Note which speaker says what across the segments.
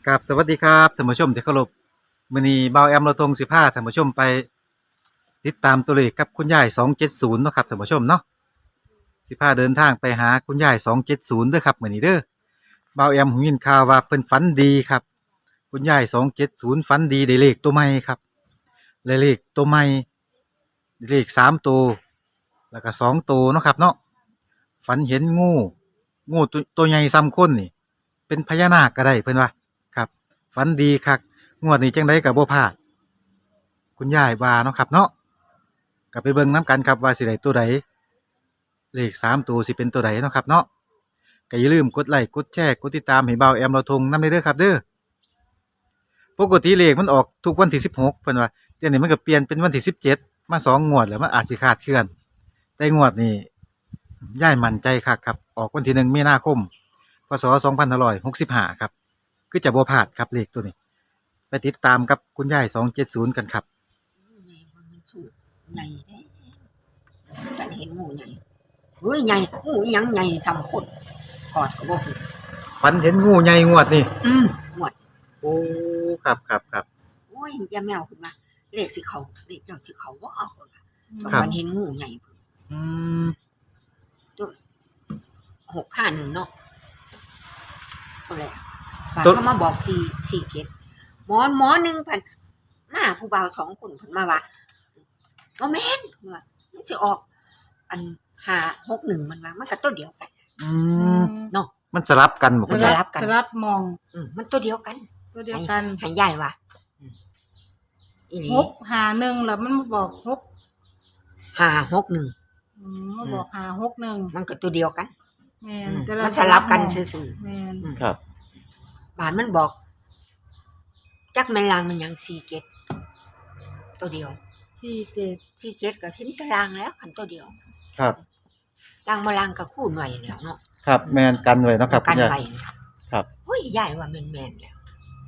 Speaker 1: ครับสวัสดีครับท่านผู้ชมที่เคารพมื้อนี้เบาแอมเราทง15ท่านผู้ชมไปติดตามตัวเลขกับคุณยาย270เนาะครับท่านผู้ชมเนาะ15เดินทางไปหาคุณยาย270เด้อครับมื้อนี้เด้อเบาแอมหูยินข่าวว่าเพิ่นฝันดีครับคุณยาย270ฝันดีได้เลขตัวใหม่ครับได้เลขตัวใหม่ได้เลข3ตัวแล้วก็2ตัวเนาะครับเนาะฝันเห็นงูตัวใหญ่ซ้ำคนนี่เป็นพญานาคก็ได้เพิ่นว่าครับฝันดีคักงวดนี้จังไดก็บ่พลาดคุณยายว่าเนาะครับเนาะก็ไปเบิ่งนํกันครับว่าสิได้ตัวใดเลข3ตัวสิเป็นตัวใดเนาะครับเนาะก็อย่าลืมกดไลค์กดแชร์กดติดตามให้เบาแอมเราทงนำเด้อครับเด้อปกติเลขมันออกทุกวันที่16เพิ่นว่าเดี๋ยวนี้มันก็เปลี่ยนเป็นวันที่17มา2งวดแล้วมันอาจสิคลาดเคลื่อนแต่งวดนี้ยายมั่นใจคักครับออกวันที่1มีนาคมพศ2565ครับคือจะบ่พลาดครับเลขตัวนี้ไปติดตามกับคุณยาย270กันครับ
Speaker 2: ใหญ่ว่ามันสูงใหญ่แท้ฉันเห็นงูใหญ่เฮ้ยใหญ่งูอีหยังใหญ่สำคนกอดก็บ่ถูก
Speaker 1: ฝันเห็นงูใหญ่งวดนี่
Speaker 2: หมด
Speaker 1: โอ้ครับ
Speaker 2: โอ้ยอย่าแมวขึ้นมาเลขสิเขาเลขเจ้าสิเขาบ่เอาพุ่นน่ะ
Speaker 1: ครับ
Speaker 2: มันเห็นงูใหญ่พุ่น
Speaker 1: อืม
Speaker 2: ตัว651เนาะตัวแรกบาดเขามาบอก4 เกตหมอหนึ่งพันมาผู้บ่าว2คนเพิ่นมาว่าบ่แม่นเพิ่นว่ามันสิออกอัน561มันว่ามันก็ตัวเดียวกัน
Speaker 1: อืม
Speaker 2: เนาะ
Speaker 1: มันสลับกันบ่
Speaker 2: มันสลับกัน
Speaker 3: สลับมอง
Speaker 2: มันตัวเดียวกัน
Speaker 3: ตัวเดียวกัน
Speaker 2: ให้ยายว่าอีหลี
Speaker 3: 651แล้วมันมาบอก
Speaker 2: 561
Speaker 3: มาบอก561
Speaker 2: มันก็ตัวเดียวกัน
Speaker 3: แม่นแต่
Speaker 2: มันสลับกันซื่อ
Speaker 3: แม่น
Speaker 1: ครับ
Speaker 2: ๆบานมันบอกจักแม่นลางมันหยัง4 เกตตัวเดียว
Speaker 3: 47
Speaker 2: 4 เกตก็เห็นตารางแล้วคันตัวเดียว
Speaker 1: ครับ
Speaker 2: ลางบ่ลางก็คูณไว้แล้วเนาะ
Speaker 1: ครับแม่นกันไว้เนาะครับคุ
Speaker 2: กัน
Speaker 1: ณยาย
Speaker 2: ไว้
Speaker 1: ครับ
Speaker 2: โอ้ยยายว่าแม่นๆแล้ว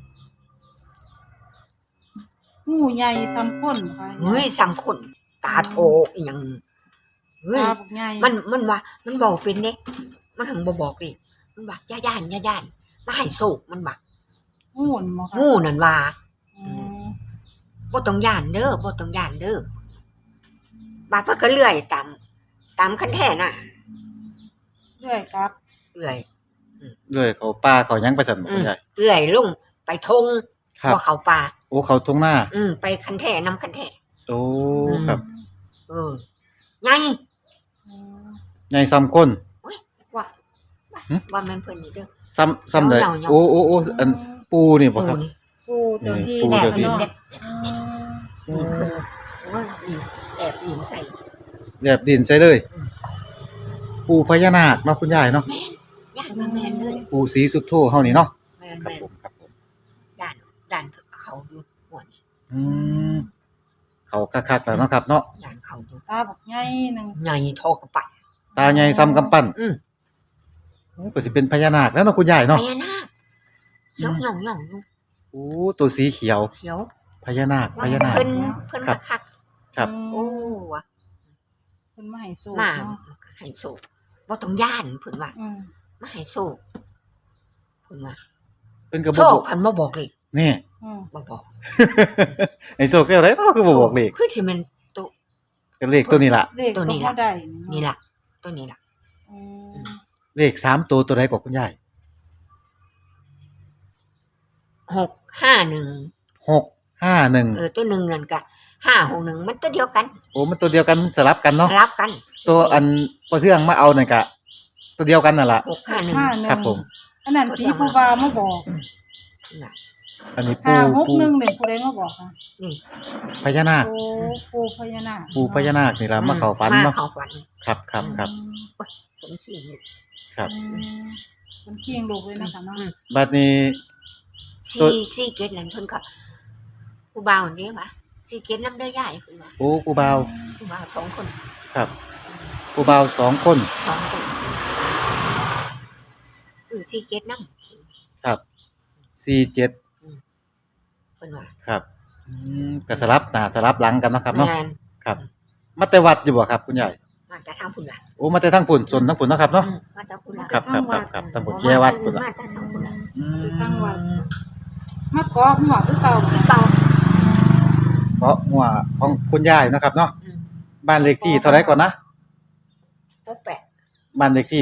Speaker 3: งูใหญ่ซ้ำคนค่ะ
Speaker 2: เฮ้ยสำคนตาโตอีหยังเฮ้ย
Speaker 3: ตาบักใหญ่
Speaker 2: มันว่ามันบอกเป็นเด้มันถึงบ่บอกดิมันว่าอย่าย่านมาให้โศกมันว่า
Speaker 3: งูนบ่ค่ะ
Speaker 2: งูนั่นว่า
Speaker 3: อืม
Speaker 2: บ่ต้องย่านเด้อบาดเพิ่นก็เลื่อยตามคันแท้น่ะ
Speaker 3: เรื่อยครับ
Speaker 2: เลื่อย
Speaker 1: เลื่อยเขาป่าเขาหยังไปสั่นบ่คุณยาย
Speaker 2: เลื่อยลงไปทง
Speaker 1: ครับ
Speaker 2: บ่เข้าป่า
Speaker 1: โอ้เขาทุ่งนา
Speaker 2: ไปคันแท้นำคันแท้
Speaker 1: โอ้ครับ
Speaker 2: ใหญ่
Speaker 3: อืม
Speaker 1: ใหญ่ซ้ำคน
Speaker 2: ว่า
Speaker 1: หึ
Speaker 2: ว่าแม่นเพิ่นนี่เด้อ
Speaker 1: ซ้ำได้
Speaker 2: เหยาๆ
Speaker 1: โอ้อันปูนี่บ่ครับ
Speaker 2: นี่
Speaker 3: ปูเจ้าที่
Speaker 1: ปู
Speaker 2: แอบ
Speaker 1: เจ้าที่
Speaker 2: ยิง
Speaker 3: เนาะ
Speaker 2: เด็ด
Speaker 3: อืม
Speaker 2: นี่เพิ่นว่านี่แอบยิงใส่
Speaker 1: แบบดินใส่เลย ปูพญานาคเนาะคุณยายเนาะ
Speaker 2: ย่านแม่นเลย
Speaker 1: ปูสีสุดโทเฮานี่เนาะ
Speaker 2: แม่น
Speaker 1: ครับผมครับผม
Speaker 2: ด่านเขาอยู่หัวนี่
Speaker 1: อืมเขาคักๆแล้วเนาะครับเนาะ
Speaker 2: ด่านเขาอยู่
Speaker 3: ตาบักใหญ่หนึง
Speaker 2: ใหญ่เทอกระปะ
Speaker 1: ตาใหญ่ซ้ำกำปั้น โอ้ก็สิเป็นพญานาคแล้วเนาะคุณยาย
Speaker 2: พ
Speaker 1: เนาะ
Speaker 2: ญานาคเขียวหย่องอยู่
Speaker 1: โอ้ตัวสีเขียว
Speaker 2: เขียว
Speaker 1: พญานาค
Speaker 2: ว่า
Speaker 1: พญานาค
Speaker 2: เพิ่น
Speaker 1: ครับ
Speaker 2: คัก
Speaker 1: ครับ
Speaker 2: ๆโอ้ว่ะ
Speaker 3: เพิ่นมาให้สู
Speaker 2: มา
Speaker 3: เนาะ
Speaker 2: ให้โศกบ่ต้องย่านเพิ่นว่า
Speaker 3: อืม
Speaker 2: มาให้โศกเพิ่นว่า
Speaker 1: เป็นกระบ
Speaker 2: โศ
Speaker 1: อก
Speaker 2: กเพิ่นบ่บอกเลย
Speaker 1: นี่
Speaker 3: อืม
Speaker 2: บ่บอก
Speaker 1: ไอ้โซกเรียกอะไรเนาะคือบ่บอกเลข
Speaker 2: คือสิแม่นตัว
Speaker 1: ก็เลขตัวนี้ล่ะ
Speaker 3: เลข
Speaker 2: ตัวนี้ล่ะ
Speaker 3: บ่ได้
Speaker 2: นี่ล่ะตัวนี้ล่ะ
Speaker 3: อืม
Speaker 1: เลข3ตัวใดกว่าคุณยาย
Speaker 2: 651
Speaker 1: 651
Speaker 2: ตัวหนึ่งนั่นก็561มันตัวเดียวกัน
Speaker 1: โอ้มันตัวเดียวกันสลับกันเนาะ
Speaker 2: สลับกัน
Speaker 1: ตัวอันพอเทืองมาเอานั่นก็ตัวเดียวกันนั่นล่ะ
Speaker 2: 651
Speaker 1: ครับผม
Speaker 3: อันนั้นผีผู้บ่าวมาบอก
Speaker 2: น่ะ
Speaker 1: อันนี้ปู
Speaker 3: 561เนี่ยผู้ใดมาบอกค่ะ
Speaker 2: นี่
Speaker 1: พญานาค
Speaker 3: โอ้ปูพญานาค
Speaker 1: ปูพญานาคนี่ล่ะมาเข้าฝันเนาะ
Speaker 2: มาเข้าฝัน
Speaker 1: ครับ
Speaker 2: ผมสิอยู่
Speaker 1: ครับ
Speaker 3: อืมเป็นเคียงลูกเลยนะคะเนาะ
Speaker 1: บัดนี้ ตัว
Speaker 2: สี่เกตนั่นเพิ่นก็ผู้บ่าวนี่ว่าสี่เกตนำเด้อยายเพิ่นว่า
Speaker 1: โอ้ปูบ่าว
Speaker 2: ผู้บ่าว2คน
Speaker 1: ครับปูบ่าว2คน
Speaker 2: 2คนซื้อสี่เกตนำ
Speaker 1: ครับ47
Speaker 2: เพิ่นว่า
Speaker 1: ครับก็สลับหน้าสลับหลังกันเนาะครับเนาะ
Speaker 2: แม่น
Speaker 1: ครับ มาแต่วัดอยู่บ่ครับคุณยาย
Speaker 2: มาแต่ทางพุ่นล่ะ
Speaker 1: โอ้มาแต่ทางปุ่นส่วนทางปุ่นเนาะครับเนาะ
Speaker 2: มาแต่พุ่นล่ะ
Speaker 1: ครับทางปุ่นแจวัดปุ่นล่ะ
Speaker 2: มาแต่ทางพุ่นล่ะ
Speaker 3: ทางวัดมาเกาะหัวคือเก่า
Speaker 2: ที่เก่า
Speaker 1: เพราะหัวของคุณยายเนาะครับเนาะ
Speaker 2: อืม
Speaker 1: บ้านเลขที่เท่าไหร่ก่อนนะ
Speaker 2: พวกแปะ
Speaker 1: บ้านเลขที่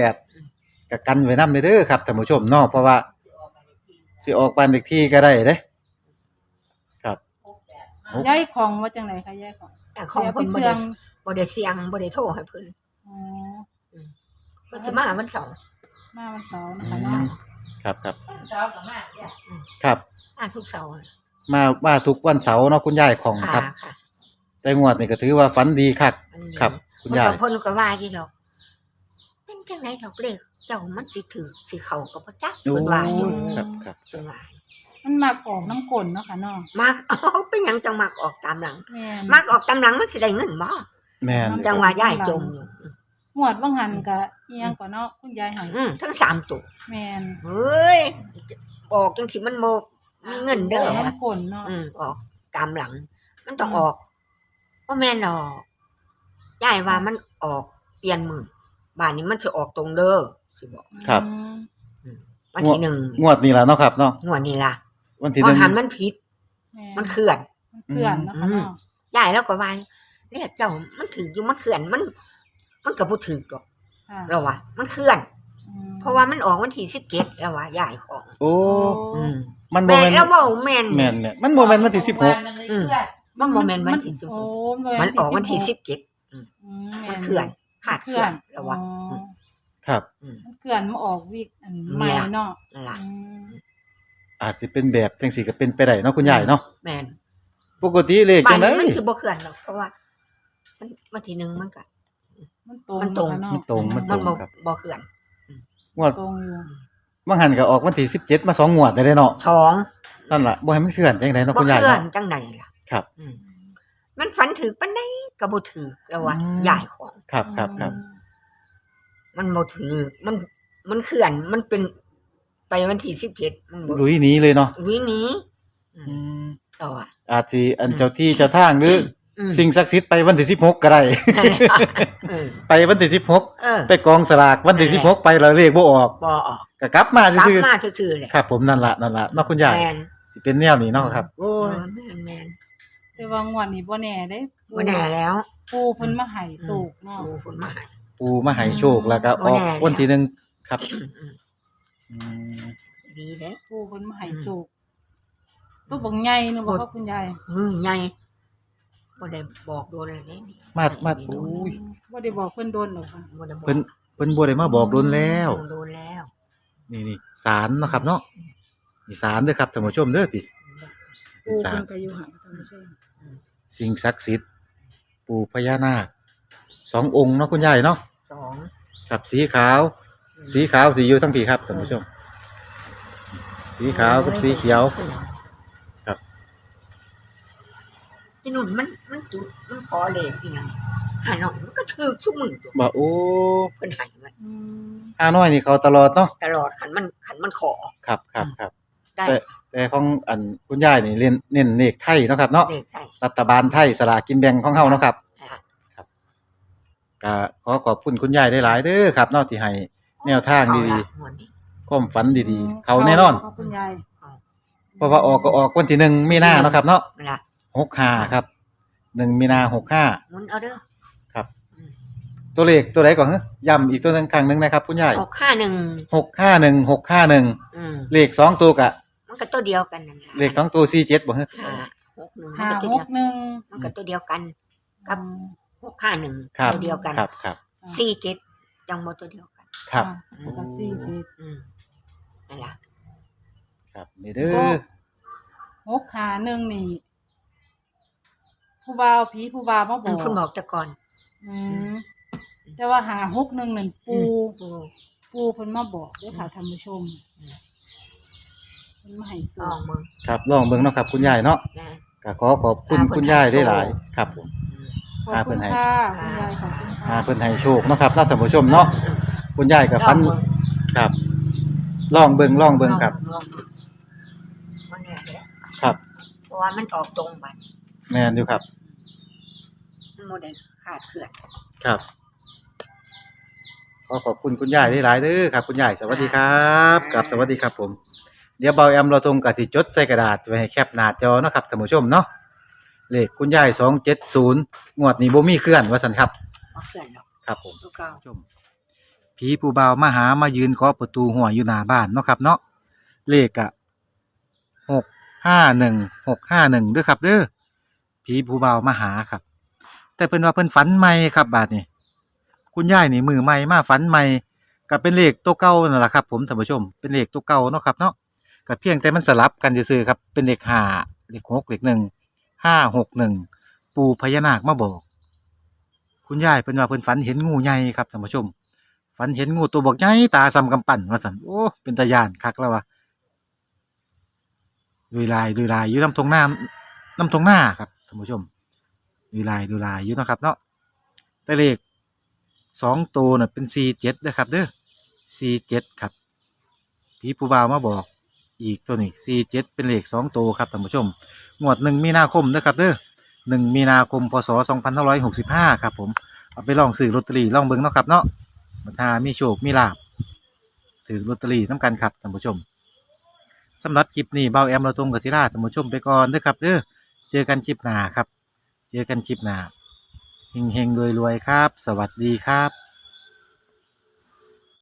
Speaker 1: 68ก็กันไว้นำเด้อครับท่านผู้ชมเนาะเพราะว่าสิออกบ้านเลขที่ก็ได้เด้ครับ
Speaker 3: ย้ายของว่าจังไหนคะย้ายของ
Speaker 2: แต่ของ
Speaker 3: เดี๋ยว
Speaker 2: เพิ่น
Speaker 3: เพิ่น
Speaker 2: บ่ได้เสียงบ่ได้โทรให้เพิ่น
Speaker 3: อ๋อ
Speaker 2: เพิ่นสิมาวันเสาร์
Speaker 3: มาวันเสาร์นะ
Speaker 1: อื
Speaker 3: คะ
Speaker 1: ม
Speaker 3: เนาะ
Speaker 1: ครับครับ
Speaker 2: เสาร์ก็มาเนี่ย
Speaker 1: ครับ
Speaker 2: มาทุกเสาร์
Speaker 1: มาทุกวันเสาร์เนาะคุณยายของครับ
Speaker 2: ค่ะ
Speaker 1: แต่งวดนี่ก็ถือว่าฝันดีคัก
Speaker 2: อันนี้
Speaker 1: ครับ คุณยาย
Speaker 2: เพิ่นก็ว่าอยู่ดอกเป็นจังไดดอกเลขเจ้ามันสิถือสิเข้าก็บ่จัก
Speaker 1: โอ้
Speaker 2: เพิ่นว่าอยู่
Speaker 1: ครับครับ
Speaker 2: เพิ่นว่า
Speaker 3: มันมากออกน้ำกลนเนาะค่ะเนาะ
Speaker 2: มัก เอาเป็นหยังจังมักออกตามหลัง
Speaker 3: แม่น
Speaker 2: มักออกตามหลังมันสิได้เงินบ่
Speaker 1: แม่น
Speaker 2: จังว่าย้ายจมอยู่
Speaker 3: หวดว่างหันกะเอียงกว่าเนาะคุณยายให้
Speaker 2: ทั้ง3ตัว
Speaker 3: แม่น
Speaker 2: เฮ้ยบอกจังสิมันบ่มีเงินเด้อวะ
Speaker 3: น้ำกลนเนาะ
Speaker 2: ออกตามหลัง มันต้องออกบ่แม่นหรอกย้ายว่ามันออกเปลี่ยนมือบ้านนี้มันสิออกตรงเด้อสิบอก
Speaker 1: ครับ
Speaker 3: อืม
Speaker 2: วันที่หนึ่ง
Speaker 1: งวดนี้ล่ะเนาะครับเนาะ
Speaker 2: งวดนี้ล่ะ
Speaker 1: วันที่
Speaker 2: พอ
Speaker 1: 1
Speaker 2: หันมันผิด
Speaker 3: แม่
Speaker 2: มันเคลื่อน
Speaker 3: มันเคลื่อนเนาะค่ะเนาะ
Speaker 2: ย้ายแล้วก็ว่าเรียกเจ้ามันถืออยู่มันเคลื่อนมันก็บ่ถือดอก
Speaker 3: ค่ะ
Speaker 2: เราว่ามันเคลื่อน
Speaker 3: อืม
Speaker 2: เพราะว่ามันออกวันที่17แล้วว่าย้ายของ
Speaker 1: โอ้
Speaker 2: อืม
Speaker 1: มันบ่
Speaker 2: แม่น
Speaker 1: แม่น
Speaker 2: แล้วเว้าแม่น
Speaker 1: แม่นเนี่ยมันบ่แม่นวันที่16
Speaker 2: อืมมันบ่แม่นวันที่
Speaker 3: โอ้
Speaker 2: 16มันออกวันที่17
Speaker 3: อืม
Speaker 2: มันเคลื่อนขาดเคลื่อนแล้วว่า
Speaker 3: อ๋อ
Speaker 1: ครับ
Speaker 3: มันเคลื่อนมาออกวิกอันใหม่เนาะ
Speaker 2: นั่นล่ะ
Speaker 3: อืม
Speaker 1: อาจสิเป็นแบบจังซี่ก็เป็นไปได้เนาะคุณยายเนาะ
Speaker 2: แม่น
Speaker 1: ปกติเลข
Speaker 2: บ้า
Speaker 1: จั
Speaker 2: น
Speaker 1: งได๋
Speaker 2: นี้มันสิบ่เคลื่อนหรอกเพราะว่ามันวันที่หนึ่งมันก็
Speaker 3: มันตรง
Speaker 2: มันตรง
Speaker 3: เนาะ
Speaker 1: มันตรง
Speaker 2: บ่
Speaker 1: ครับ
Speaker 2: บ่เคลื่อน
Speaker 1: งวด
Speaker 3: ตรงอยู่
Speaker 1: บางหันก็ออกวันที่17มา2งวดได้เลยเนาะ
Speaker 2: สอง
Speaker 1: นั่นล่ะบ่ให้มันเคลื่อนจังไดเนาะ
Speaker 2: บ่
Speaker 1: คุณ
Speaker 2: เค
Speaker 1: ยาย
Speaker 2: ลื่อน
Speaker 1: เนาะ
Speaker 2: จังใดล่ะ
Speaker 1: ครับ
Speaker 2: อืมมันฝันถือปานใดก็บ่ถือแล้วว่า
Speaker 1: อืม
Speaker 2: ย้ายของ
Speaker 1: ครับครับครับ
Speaker 2: มันบ่ถือมันเคลื่อนมันเป็นไปวันที่17มันบ่
Speaker 1: ลุยหนีเลยเนาะ
Speaker 2: วิหนี้อื
Speaker 1: อื
Speaker 2: ม
Speaker 1: ม
Speaker 2: ต่ออ่ะ
Speaker 1: อาจสิอันเจ้าที่เจ้าทางหรือ
Speaker 2: อืม
Speaker 1: สิ่งศักดิ์สิทธิ์ไปวันที่16ก็ได้
Speaker 2: นั่นแหละเออ
Speaker 1: ไปวันที่
Speaker 2: เออ
Speaker 1: 16ไปกองสลากวันที่16ไปแล้วเลขบ่ออก
Speaker 2: บ่ออก
Speaker 1: ก็กลับมาก
Speaker 2: ลับ
Speaker 1: ซื่อ
Speaker 2: มาซื่อๆเลย
Speaker 1: ๆครับผมนั่นล่ะเนาะคุณยาย
Speaker 2: แม่น
Speaker 1: สิเป็นแนวนี้เนาะครับโอ้
Speaker 2: เอย อแม่น
Speaker 3: แต่ว่างวดนี้บ่แน่เด้
Speaker 2: บ่แน่แล้ว
Speaker 3: ปูเพิ่นมาให้สูกเนาะ
Speaker 2: โอ้คนมาให้
Speaker 1: ปู่มาให้โชคแล้วก็ออก
Speaker 2: บ่แน่แล้ว
Speaker 1: วันที่1ครับ
Speaker 2: อืม
Speaker 1: อืม
Speaker 2: ดีเด้
Speaker 3: ปูเพิ่นมาให้สูกตัวบักใหญ่นึบ่ครับคุณยาย
Speaker 2: ใหญ่บ่ได้บอกโดนเลยนี่
Speaker 1: มาอุ้ย
Speaker 3: บ่ได้บอกเพิ่นโดนหรอกค่ะ
Speaker 2: บ่ได้บอก
Speaker 1: เพิ่นบ่ได้มาบอกโดนแล้ว
Speaker 2: โดนแล้ว
Speaker 1: นี่ศาลเนาะครับเนาะนี่ศาลเด้อครับท่านผู้ชมเด้อพี่เป็
Speaker 3: ปู
Speaker 1: นศา
Speaker 3: เพิ่
Speaker 1: ล
Speaker 3: นก็อยู่ห่างท่านผู้ชม
Speaker 1: สิ่งศักดิ์สิทธิ์ปู่พญานาค2องค์เนาะคุณยายเนาะ
Speaker 2: สอง
Speaker 1: ครับสีขาวสีอยู่ทั้งพี่ครับท่านผู้ชม สีขาวกับสีเขียว ครับ
Speaker 2: ที่นู่นมันจุดมันขอเลขอีหยังหาหน่อยมันก็ถือชุมือตัว
Speaker 1: บ่โอ้
Speaker 2: เพิ่นให้มัน
Speaker 3: อืม
Speaker 1: อาน้อยนี่เขาตลอดเนาะ
Speaker 2: ตลอดขันมันขอ
Speaker 1: ครับ
Speaker 2: ได้
Speaker 1: แต่ของอันคุณยายนี่เน้นเลขไทยเนาะครับเนาะ
Speaker 2: เลขใส่
Speaker 1: รัฐบาลไทยสลากกินแบ่งของเฮาเนาะครับ
Speaker 2: อ่า
Speaker 1: ก็ขอบคุณคุณยายได้หลายๆเด้อครับเนาะที่ให้แนวทางดี
Speaker 2: เอละงวดนี้
Speaker 1: ๆความฝันดีๆ เขาแน่นอน
Speaker 3: ขบคุณยาย
Speaker 1: เพราะว่าออกก็ออกวันที่1มีนาเนาะครับเนาะ
Speaker 2: นั่นล่ะ
Speaker 1: 65ครับ1มีนา65
Speaker 2: หมุนเอาเด้อ
Speaker 1: ครับ ตัวเลขตัวใดก่อนฮะย้ำอีกตัวหนึงครั้งหนึงนะครับคุณยาย
Speaker 2: 651
Speaker 1: 651เลข2ตัวกะ
Speaker 2: มันก็ตัวเดียวกันนั่นล่ะ
Speaker 1: เลข2ตัว47บ่ฮะ
Speaker 2: 561
Speaker 3: 561
Speaker 2: มันก็ตัวเดียวกัน กับ 651
Speaker 1: ครับ
Speaker 2: ตัวเดียวกัน
Speaker 1: ครับ
Speaker 2: 47จังบ่ตัวเดียวกัน
Speaker 1: ครับ
Speaker 3: แล้วก็47
Speaker 2: อืมนั่นล่ะ
Speaker 1: ครับนี่เด้อ
Speaker 3: 651นี่ผู้บ่าวผีผู้บ่าวมาบ
Speaker 2: มั
Speaker 3: อน ก
Speaker 2: เพิ่นบอกแต่ก่อน
Speaker 3: อืมแต่ว่า561นั่นปู
Speaker 2: ปู
Speaker 3: ปูเพิ่นมาบอกเด้อค่ะท่านผู้ชมเพิ่นมาให้
Speaker 2: ล
Speaker 3: สู
Speaker 2: อง
Speaker 3: ก
Speaker 2: มึง
Speaker 1: ครับลองเบิ่งเนาะครับคุณยายเนาะ
Speaker 2: นะ
Speaker 1: ก็ขอบคุณคุณยายได้หลายครับผม
Speaker 3: ขอบคุณค่ะคุณยายขอบคุณค่ะ
Speaker 1: เพิ่นให้โชคเนาะครับท่านผู้ชมเนาะคุณยายก็ฝัน
Speaker 2: ลองเบิ่ง
Speaker 1: ครับลองเบิ่งครับ
Speaker 2: ลองเบิ่งมันแน่แหละ
Speaker 1: ครับ
Speaker 2: เพราะว่ามันออกตรงบัด
Speaker 1: แม่นอยู่ครับ
Speaker 2: มันบ่ได้ขาดเคลื่อน
Speaker 1: ครับขอบคุณคุณยายได้หลายเด้อครับ คุณยายสวัสดีครับกับสวัสดีครับผมเดี๋ยวเบาแอมเราตรงกับสิจดใส่กระดาษไว้ให้แคปหน้าจอเนาะครับท่านผู้ชมเนาะเลขคุณยาย270งวดนี้บ่มีเคลื่อนว่าซั่นครับ
Speaker 2: บ่เกินดอก
Speaker 1: ครับผม
Speaker 2: ตัวเก่า
Speaker 1: ชมผีผู้บ่าวมาหามายืนเคาะประตูหัวอยู่หน้าบ้านเนาะครับเนาะเลขอะ651เด้อครับเด้อผีผู้บ่าวมาหาครับ แต่เพิ่นว่าเพิ่นฝันใหม่ครับบาดนี้คุณยายนี่มือใหม่มาฝันใหม่ก็เป็นเลขตัวเก่านั่นล่ะครับผมท่านผู้ชมเป็นเลขตัวเก่าเนาะครับเนาะก็เพียงแต่มันสลับกันซื่อๆครับเป็นเลข5เลข6เลข1 561ปู่พญานาคมาบอกคุณยายเพิ่นว่าเพิ่นฝันเห็นงูใหญ่ครับท่านผู้ชมฝันเห็นงูตัวบักใหญ่ตาส่ำกำปั้นว่าซั่นโอ้เป็นตาย้านคักแล้วว่ะดุยลายอยู่น้ำทงหน้าครับท่านผู้ชมดุยลายอยู่เนาะครับเนาะแต่เลข2ตัวน่ะเป็น47เด้อครับเด้อ47ครับผีผู้บ่าวมาบอกอีกตัวนี้47เป็นเลข2ตัวครับท่านผู้ชมงวด1มีนาคมเด้อครับเด้อ1มีนาคมพศ2565ครับผมเอาไปลองซื้อลอตเตอรี่ลองเบิ่งเนาะครับเนาะถ้ามีโชคมีลาภถือลอตเตอรี่นำกันครับท่านผู้ชมสำหรับคลิปนี้เบาแอมเราตรงกับศิลาท่านผู้ชมไปก่อนเด้อครับเด้อเจอกันคลิปหน้าครับเจอกันคลิปหน้าเฮงๆรวยๆครับสวัสดีครับ